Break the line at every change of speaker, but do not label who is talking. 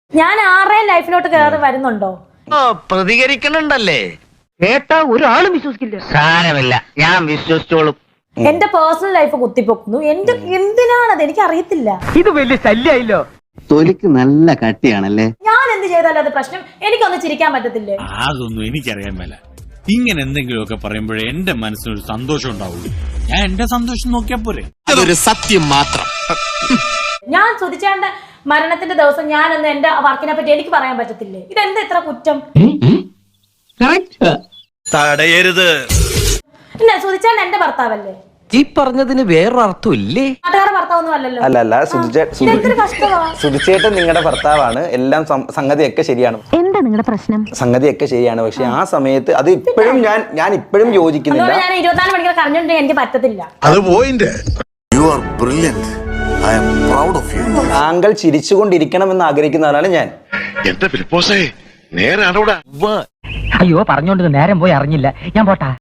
ഞാൻ ആരുടെയും ലൈഫിലോട്ട് കയറി വരുന്നുണ്ടോ?
പ്രതികരിക്കണുണ്ടല്ലേ?
കേട്ടാ ഒരാളും വിശ്വസിക്കില്ല.
സാരമില്ല, ഞാൻ വിശ്വസിച്ചോളും.
എന്റെ പേഴ്സണൽ ലൈഫ് കുത്തിപ്പൊക്കുന്നു. എന്തിനാണത് എനിക്ക് അറിയത്തില്ല.
ഇത് വലിയ ശല്യായില്ലോ.
തൊലിക്ക് നല്ല കട്ടിയാണല്ലേ.
ഞാൻ എന്ത് ചെയ്താലും അത് പ്രശ്നം. എനിക്കൊന്ന് ചിരിക്കാൻ പറ്റത്തില്ലേ?
അതൊന്നും എനിക്കറിയാൻ മേല. ഇങ്ങനെ എന്തെങ്കിലുമൊക്കെ പറയുമ്പോഴേ എന്റെ മനസ്സിനൊരു സന്തോഷം ഉണ്ടാവുള്ളൂ. ഞാൻ എന്റെ സന്തോഷം നോക്കിയാ പോരെ.
അതൊരു സത്യം മാത്രം.
ഞാൻ സുധിച്ചേണ്ട മരണത്തിന്റെ ദിവസം ഞാനൊന്ന് എന്റെ വർക്കിനെ പറ്റി എനിക്ക് പറയാൻ പറ്റത്തില്ലേ? ഇതെന്താ ഇത്ര കുറ്റം?
തടയരുത്.
പിന്നെ സുധിച്ചേണ്ട എന്റെ ഭർത്താവല്ലേ?
ഈ പറഞ്ഞതിന് വേറൊരർത്ഥം ഇല്ലേ?
നാട്ടുകാരുടെ ഭർത്താവൊന്നും അല്ലല്ലോ.
അല്ല
ഇതെന്തൊരു കഷ്ടമാ.
സുധിച്ചേട്ടൻ നിങ്ങളുടെ ഭർത്താവാണ്. എല്ലാം സംഗതിയൊക്കെ ശരിയാണ്.
എന്താ നിങ്ങളുടെ പ്രശ്നം?
സംഗതിയൊക്കെ ശരിയാണ്. പക്ഷെ ആ സമയത്ത് അത് ഇപ്പോഴും ഞാൻ ഇപ്പോഴും യോജിക്കുന്നില്ല.
ഞാൻ 24 മണിക്കൂർ കരഞ്ഞോണ്ടെങ്കിൽ എനിക്ക് പറ്റത്തില്ല.
അത് point. You are brilliant. I am proud of you.
താങ്കൾ ചിരിച്ചുകൊണ്ടിരിക്കണമെന്ന് ആഗ്രഹിക്കുന്നവരാണ് ഞാൻ.
എന്റെ ഫിലിപ്പോസേ, നേരാണോടാ?
അയ്യോ, പറഞ്ഞോണ്ട് നേരം പോയി അറിഞ്ഞില്ല. ഞാൻ പോട്ടാ.